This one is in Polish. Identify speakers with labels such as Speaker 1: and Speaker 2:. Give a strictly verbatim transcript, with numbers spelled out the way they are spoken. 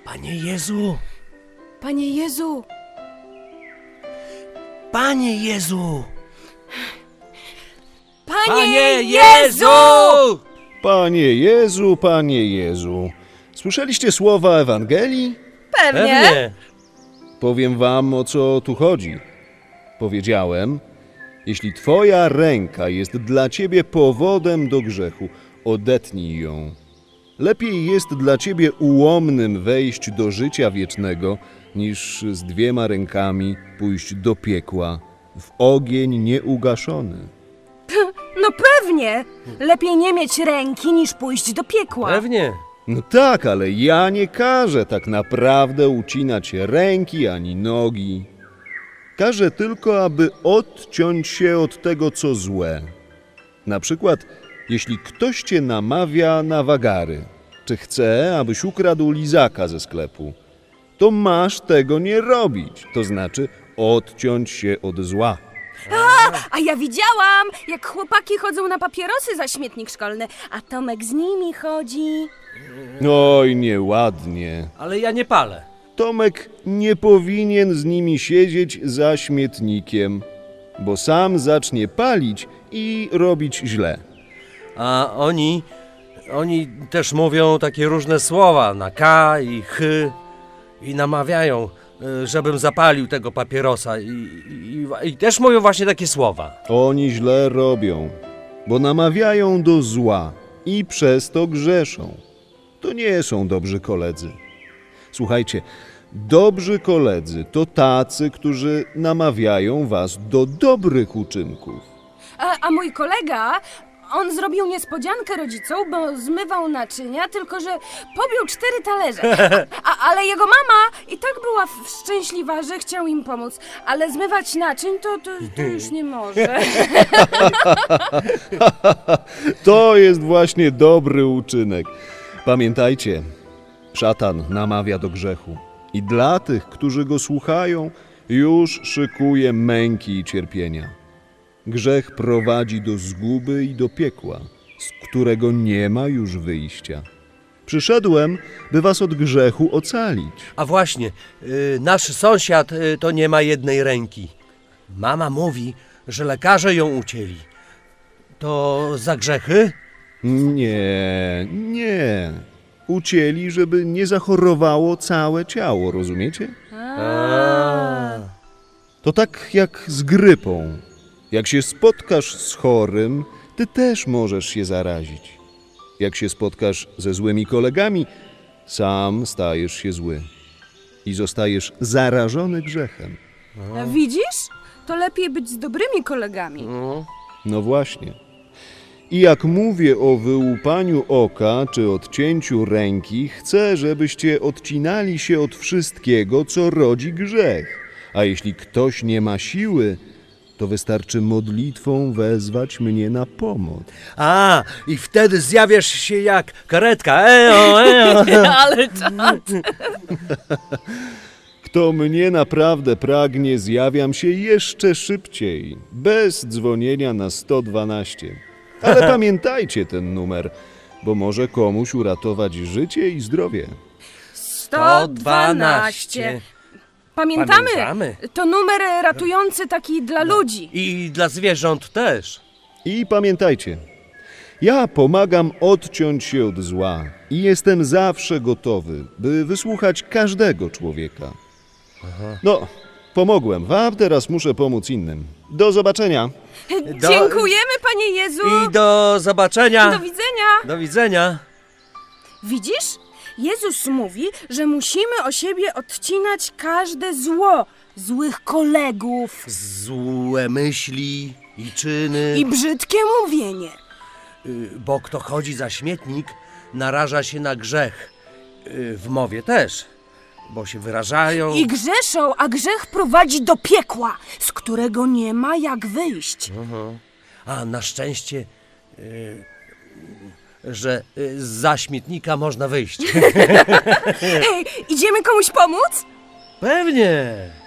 Speaker 1: Panie Jezu!
Speaker 2: Panie Jezu!
Speaker 1: Panie Jezu!
Speaker 2: Panie,
Speaker 1: Panie
Speaker 2: Jezu!
Speaker 1: Jezu!
Speaker 3: Panie Jezu, Panie Jezu. Słyszeliście słowa Ewangelii?
Speaker 2: Pewnie.
Speaker 1: Pewnie.
Speaker 3: Powiem wam, o co tu chodzi. Powiedziałem, jeśli twoja ręka jest dla ciebie powodem do grzechu, odetnij ją. Lepiej jest dla ciebie ułomnym wejść do życia wiecznego, niż z dwiema rękami pójść do piekła, w ogień nieugaszony.
Speaker 2: No pewnie. Lepiej nie mieć ręki, niż pójść do piekła.
Speaker 1: Pewnie.
Speaker 3: No tak, ale ja nie każę tak naprawdę ucinać ręki ani nogi. Każę tylko, aby odciąć się od tego, co złe. Na przykład, jeśli ktoś cię namawia na wagary, czy chce, abyś ukradł lizaka ze sklepu, to masz tego nie robić, to znaczy odciąć się od zła.
Speaker 2: A ja widziałam, jak chłopaki chodzą na papierosy za śmietnik szkolny, a Tomek z nimi chodzi.
Speaker 3: Oj, nieładnie.
Speaker 1: Ale ja nie palę.
Speaker 3: Tomek nie powinien z nimi siedzieć za śmietnikiem, bo sam zacznie palić i robić źle.
Speaker 1: A oni... Oni też mówią takie różne słowa na K i H i namawiają, y, żebym zapalił tego papierosa i, i, i też mówią właśnie takie słowa.
Speaker 3: Oni źle robią, bo namawiają do zła i przez to grzeszą. To nie są dobrzy koledzy. Słuchajcie, dobrzy koledzy to tacy, którzy namawiają was do dobrych uczynków.
Speaker 2: A, a mój kolega, on zrobił niespodziankę rodzicom, bo zmywał naczynia, tylko że pobił cztery talerze. A, a, ale jego mama i tak była w- szczęśliwa, że chciał im pomóc. Ale zmywać naczyń to, to, to już nie może.
Speaker 3: To jest właśnie dobry uczynek. Pamiętajcie, szatan namawia do grzechu i dla tych, którzy go słuchają, już szykuje męki i cierpienia. Grzech prowadzi do zguby i do piekła, z którego nie ma już wyjścia. Przyszedłem, by was od grzechu ocalić.
Speaker 1: A właśnie, y, nasz sąsiad y, to nie ma jednej ręki. Mama mówi, że lekarze ją ucięli. To za grzechy?
Speaker 3: Nie, nie. Ucięli, żeby nie zachorowało całe ciało, rozumiecie?
Speaker 1: A.
Speaker 3: To tak jak z grypą. Jak się spotkasz z chorym, ty też możesz się zarazić. Jak się spotkasz ze złymi kolegami, sam stajesz się zły i zostajesz zarażony grzechem.
Speaker 2: Widzisz? To lepiej być z dobrymi kolegami.
Speaker 1: No.
Speaker 3: No właśnie. I jak mówię o wyłupaniu oka czy odcięciu ręki, chcę, żebyście odcinali się od wszystkiego, co rodzi grzech. A jeśli ktoś nie ma siły, to wystarczy modlitwą wezwać mnie na pomoc.
Speaker 1: A, i wtedy zjawiasz się jak karetka. Eo, eo.
Speaker 2: Ale czad.
Speaker 3: Kto mnie naprawdę pragnie, zjawiam się jeszcze szybciej, bez dzwonienia na sto dwanaście. Ale pamiętajcie ten numer, bo może komuś uratować życie i zdrowie.
Speaker 2: sto dwanaście. Pamiętamy?
Speaker 1: Pamiętamy.
Speaker 2: To numer ratujący taki dla ludzi.
Speaker 1: I dla zwierząt też.
Speaker 3: I pamiętajcie, ja pomagam odciąć się od zła i jestem zawsze gotowy, by wysłuchać każdego człowieka. No, pomogłem wam, teraz muszę pomóc innym. Do zobaczenia.
Speaker 1: Do-
Speaker 2: Dziękujemy, Panie Jezu.
Speaker 1: I do zobaczenia.
Speaker 2: Do widzenia.
Speaker 1: Do widzenia.
Speaker 2: Widzisz? Jezus mówi, że musimy o siebie odcinać każde zło, złych kolegów
Speaker 1: Złe myśli i czyny.
Speaker 2: i brzydkie mówienie.
Speaker 1: Y, Bo kto chodzi za śmietnik, naraża się na grzech. Y, W mowie też, bo się wyrażają.
Speaker 2: I grzeszą, a grzech prowadzi do piekła, z którego nie ma jak wyjść.
Speaker 1: A na szczęście, y, że y, za śmietnika można wyjść.
Speaker 2: Hej, idziemy komuś pomóc?
Speaker 1: Pewnie.